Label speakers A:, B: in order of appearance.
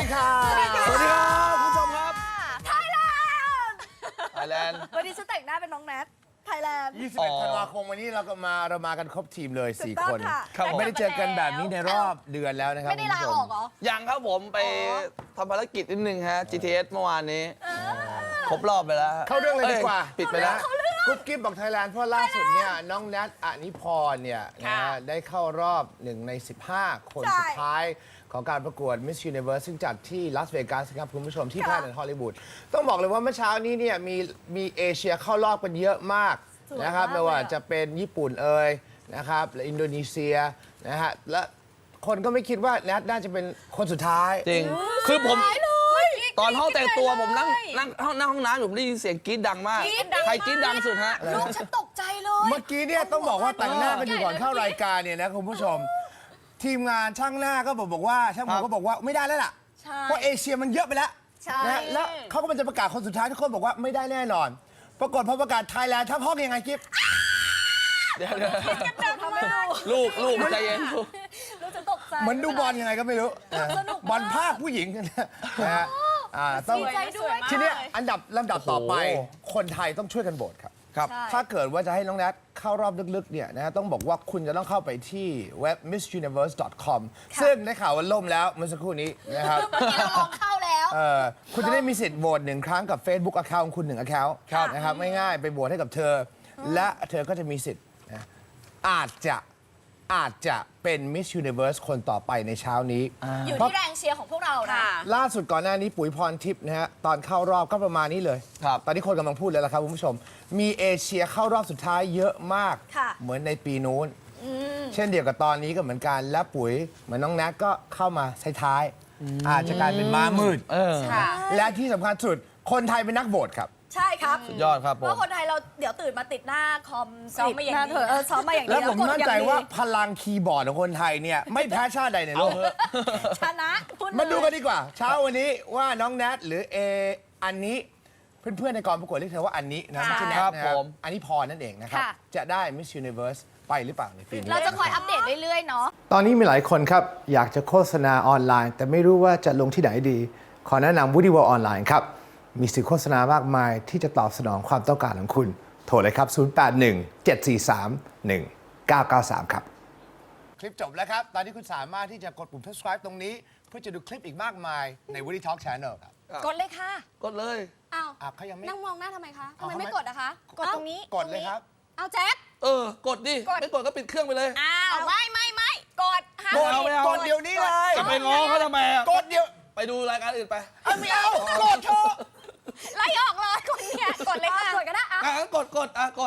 A: ดีค่ะสวัสดีครับคุณผู้ชมครับ
B: ไทยแลนด์วันนี้ฉันแต่งหน้าเป็นน้องแนทไทยแลนด์
A: 21 ธันวาคมวันนี้เรามากันครบทีมเลย 4 คน
B: ครับ
A: ไม่ได้เจอกันแบบนี้ในรอบเดือนแล้วนะครับ
B: ไม่ได้ลาออกเหรอ
C: ยังครับผมไปทำภารกิจนิดนึงฮะ GTS เมื่อวานนี้ครบรอบไปแล้ว
A: เข้าเรื่องเลยดีกว่า
C: ปิดไปแล้ว
A: กุ๊บกิ๊บบอกไทยแลนด์เพราะล่าสุดเนี่ยน้องแนทอนิพรเนี่ยนะได้เข้ารอบ1 ใน 15 คนสุดท้ายของการประกวด Miss Universe ซึ่งจัดที่ลาสเวกัสครับคุณผู้ชมที่แพลนด์ฮอลลีวูดต้องบอกเลยว่าเมื่อเช้านี้เนี่ยมีเอเชียเข้ารอบกันเยอะมากนะครับไม่ว่าจะเป็นญี่ปุ่นนะครับและอินโดนีเซียนะฮะและคนก็ไม่คิดว่าแนทน่าจะเป็นคนสุดท้าย
C: จริง คือผมตอนห้องแต่งตัวผมนั่งห้องน้ำผมได้ยินเสียงกรี๊ดดังมาก ใครกรี๊ดดังสุดฮะ
B: ลูกฉันตกใจเลย
A: เมื่อกี้เนี่ยต้องบอกว่าแต่งหน้ากันอยู่ก่อนเข้ารายการเนี่ยนะคุณผู้ชม ทีมงานช่างหน้าก็บอกว่าช่างผมก็บอกว่าไม่ได้แล้วล่ะเพราะเอเชียมันเยอะไปแล้วนะแล้วเขาก็มันจะประกาศคนสุดท้ายทุกคนบอกว่าไม่ได้แน่นอน ปรากฏพอประกาศไทยแลนด์ทั้งห้องยังไงกิ๊บ
C: เดี๋ยวลูกใจเย็นลูก
B: ลูกฉันตกใจ
A: เหมือนดูบอลยังไงก็ไม่รู้บอลภาคผู้หญิงนะฮะต้อง
B: ดีใจด้วย
A: ทีนี้ลำดับต่อไปคนไทยต้องช่วยกันโหวตครับ
C: ครับ
A: ถ้าเกิดว่าจะให้น้องแนทเข้ารอบลึกๆเนี่ยนะต้องบอกว่าคุณจะต้องเข้าไปที่เว็บ missuniverse.com ซึ่งได้ข่าวว่าล่มแล้วเมื่อสักครู่นี้นะครับ
B: เมื่อกี้เราลองเข้าแล้ว
A: คุณจะได้มีสิทธิ์โหวต1 ครั้งกับ Facebook Account ของคุณ1 Account นะครับง่ายๆไปโหวตให้กับเธอ และเธอก็จะมีสิทธิ์นะอาจจะเป็น Miss Universe คนต่อไปในเช้านี้
B: อยู่ที่แรงเชียร์ของพวกเรานะ
A: ล่าสุดก่อนหน้านี้ปุ๋ยพรทิพย์นะฮะตอนเข้ารอบก็ประมาณนี้เลย
C: ครับ
A: ตอนนี้คนกำลังพูดแล้วล่ะครับคุณผู้ชม มีเอเชียเข้ารอบสุดท้ายเยอะมาก
B: ค่ะ
A: เหมือนในปีนู้น เช่นเดียวกับตอนนี้ก็เหมือนกัน และปุ๋ยเหมือนน้องแนทก็เข้ามาท้ายๆอาจจะกลายเป็นม้ามืด
B: ค่ะ
A: และที่สำคัญสุดคนไทยเป็นนักโหวตครับ
B: ใช่ครับ
C: สุดยอดครับผม
B: เพราะคนไทยเราเดี๋ยวตื่นมาติดหน้าคอม
D: ซ้อมมาอย่างดี
B: ซ้อมมาอย่างดี
A: แล้วผม
B: กด
A: มั่น
B: อย่ง
A: ใจ
B: ดี
A: ว่าพลังคีย์บอร์ดของคนไทยเนี่ยไม่แพ้ชาติใดในโลก
B: ชนะพูดเลย
A: มาดูกันดีกว่า เช้าวันนี้ว่าน้องแนทหรืออันนี้เพื่อนๆในกองประกวดเรียกเธอว่าอันนี้นะไม่ใช่แนท
C: ครับ
A: นะครับ
C: ผม
A: อันนี้พรนั่นเองนะครับ จะได้ Miss Universe ไปหรือเปล่าในปีนี้
B: เราจะคอยอัปเดตเรื่อยๆเนาะ
A: ตอนนี้มีหลายคนครับอยากจะโฆษณาออนไลน์ แต่ไม่รู้ว่าจะลงที่ไหนดี ขอแนะนำ Woody World ออนไลน์ครับมีสื่อโฆษณามากมายที่จะตอบสนองความต้องการของคุณโทรเลยครับ 081-743-1993 ครับ คลิปจบแล้วครับ ตอนนี้คุณสามารถที่จะกดปุ่ม subscribe ตรงนี้ เพื่อจะดูคลิปอีกมากมายใน Woody Talk Channel ครับ
B: กดเลยค่ะ
C: กดเลย
B: อ้าว
A: เขายังไม่
B: นั่งมองหน้าทำไมคะทำ
A: เอา
B: ไม
A: ทำไม
B: ไม่กดอะคะ กดตรงนี้
A: กดเลยครับ
B: เอาแจ็ค
C: กดดิ ไม่กดก็ปิดเครื่องไปเลย
B: อ้าวไม่กดห้าม
A: กด
B: ผิ
C: ไม่เอา
A: กดเดี๋ยวนี้เลย
C: จะไปง้อเขาทำไมอะ
A: กดเดี๋ยว
C: ไปดูรายการอื่นไป
A: ไม่เอากดเถอะ
B: ไล่ออกเลยคนเนี่ยกดเลยค่ะกดก็ได้
C: กด